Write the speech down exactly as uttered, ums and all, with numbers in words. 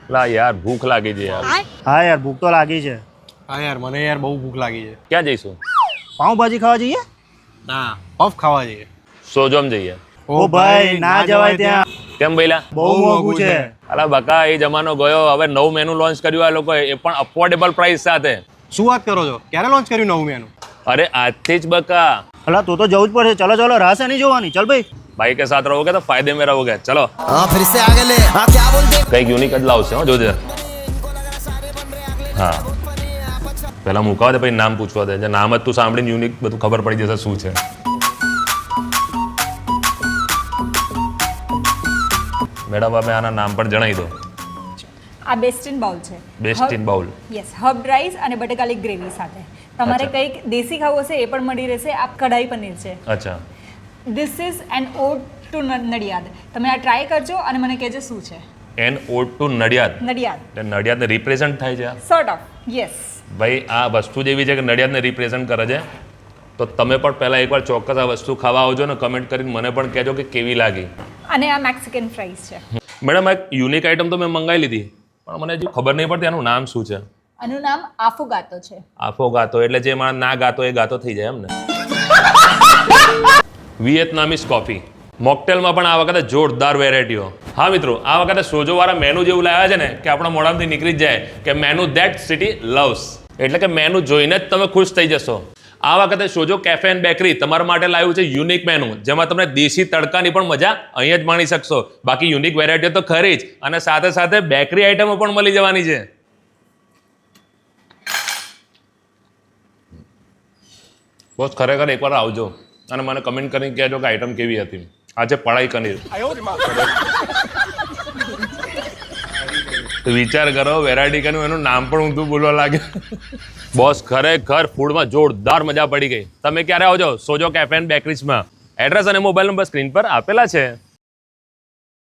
લા યાર ભૂખ લાગી છે યાર. હા યાર ભૂખ તો લાગી છે. હા યાર મને યાર બહુ ભૂખ લાગી છે. ક્યાં જઈશું? પાઉંભાજી ખાવા જઈએ? ના પફ ખાવા જઈએ. સોજોમ જઈએ. ઓ ભાઈ ના જવાય ત્યાં, કેમ ભઈલા? બહુ મોંઘું છે. અલા બકા એ જમાનો ગયો. હવે નવું મેનુ લોન્ચ કર્યું આ લોકોએ, એ પણ અફોર્ડેબલ પ્રાઇસ સાથે. શું વાત કરો છો? ક્યારે લોન્ચ કર્યું નવું મેનુ? અરે આજથી જ બકા. અલા તો તો જવું જ પડશે. ચલો ચલો રાહ નહીં જોવાની. ચલ ભાઈ. ભાઈ કે સાથ રહોગે તો ફાયદે में रहोगे. चलो हाँ फिर से आगे ले हाँ क्या बोलते કંઈક યુનિક જ લાવશે હો જોજે. હા પહેલા મુકાવ દે પછી નામ પૂછવા દે. જે નામ જ તું સાંભળીને યુનિક બધું ખબર પડી જશે શું છે. મેડમ અમે આના નામ પણ જણાવી દો. આ બેસ્ટ ઇન બાઉલ છે. Best in bowl. Yes, herb rice અને બટેકાલી ગ્રેવી સાથે. તમારે અચ્છા. કંઈક દેશી ખાવું હશે એ પણ મળી રહેશે. આ કઢાઈ પનીર છે. અચ્છા this is an ode to Nadiad. તમે આ ટ્રાય કરજો અને મને કહેજો શું છે. An ode to Nadiad. Nadiad એટલે નડિયાદને રિપ્રેઝન્ટ થાય છે આ. Sort of yes. ભાઈ આ વસ્તુ જેવી છે કે નડિયાદને રિપ્રેઝન્ટ કરે છે. તો તમે પણ પહેલાં એકવાર ચોક્કસ આ વસ્તુ ખાવા આવજો ને કમેન્ટ કરીને મને પણ કહેજો કે કેવી લાગી. અને આ મેક્સિકન ફ્રાઈસ છે. મેડમ એક યુનિક આઈટમ તો મેં મંગાવી લીધી પણ મને હજી ખબર નહીં પડતી આનું નામ શું છે. આનું નામ આફોગાતો છે. આફો ગાતો એટલે જે માણસ ના ગાતો એ ગાતો થઈ જાય એમ ને. વિયેતનામીઝ કોફી મોકટેલમાં પણ આ વખતે જોરદાર વેરાયટીઓ. હા મિત્રો આ વખતે સોજોવાળા મેનુ જેવું લાવ્યા છે ને કે આપણા મોઢામાંથી નીકળી જ જાય કે મેનુ ધેટ સિટી લવ્સ. એટલે કે મેનુ જોઈને જ તમે ખુશ થઈ જશો. આ વખતે સોજો કેફે એન્ડ બેકરી તમારા માટે લાવ્યું છે યુનિક મેનુ, જેમાં તમને દેશી તડકાની પણ મજા અહીંયા જ માણી શકશો. બાકી યુનિક વેરાયટીઓ તો ખરી જ, અને સાથે સાથે બેકરી આઈટમો પણ મળી જવાની છે. બોસ ખરેખર એકવાર આવજો અને મને કમેન્ટ કરીને કહેજો કે આઈટમ કેવી હતી. આજે પડાઈ પનીર તો વિચાર કરો વેરાયટી કનું એનું નામ પણ ઊંધું બોલવા લાગે. બોસ ખરેખર ફૂડમાં જોરદાર મજા પડી ગઈ. તમે ક્યારે આવજો સોજો કેફે એન્ડ બેકરીઝમાં. એડ્રેસ અને મોબાઈલ નંબર સ્ક્રીન પર આપેલા છે.